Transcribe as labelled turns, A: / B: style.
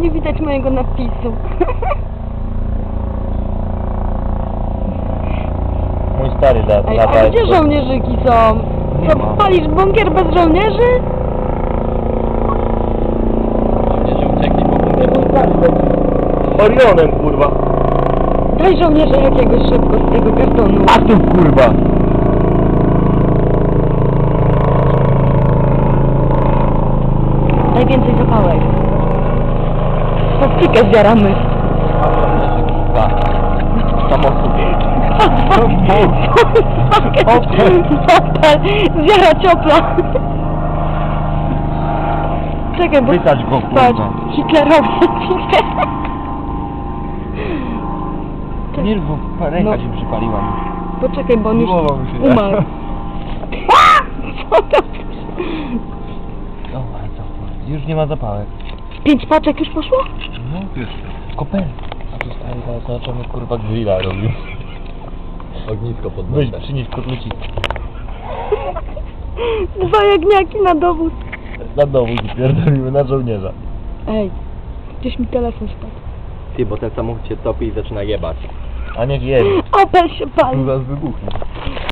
A: nie widać mojego napisu.
B: Mój stary
A: Ej, a gdzie żołnierzyki są? Co, palisz bunkier bez żołnierzy?
C: Żołnierze uciekli po bunkier.
B: Orionem, kurwa.
A: Daj żołnierza jakiegoś szybko z tego kartonu.
B: A tu, kurwa.
A: Daj więcej zapałek. Plastikę zjaramy.
B: Tak. Samochód.
A: Opel. Zjara ciopla. Czekaj, bo...
B: Wysadź go,
A: Patrz,
B: kurwa.
A: hitlerowiec idzie.
B: Nie, bo ręka
A: No.
B: się przypaliła.
A: Poczekaj, bo on już
B: Głowa mi się
A: umarł. Co to?
B: O, już nie ma zapałek.
A: 5 paczek już poszło?
B: No, już. Kopel. A tu stary, teraz zobaczymy, kurwa, grilla robił.
C: Ognisko pod
B: Weź,
C: nosem.
B: przynieś kotlecik.
A: 2 jagniaki na dowód.
B: Na dowód pierdolimy, na żołnierza.
A: Ej, gdzieś mi telefon spadł.
C: Ty, bo ten samochód się topi i zaczyna jebać.
B: A niech jedzie.
A: Opel się pali.
B: Zaraz wybuchnie.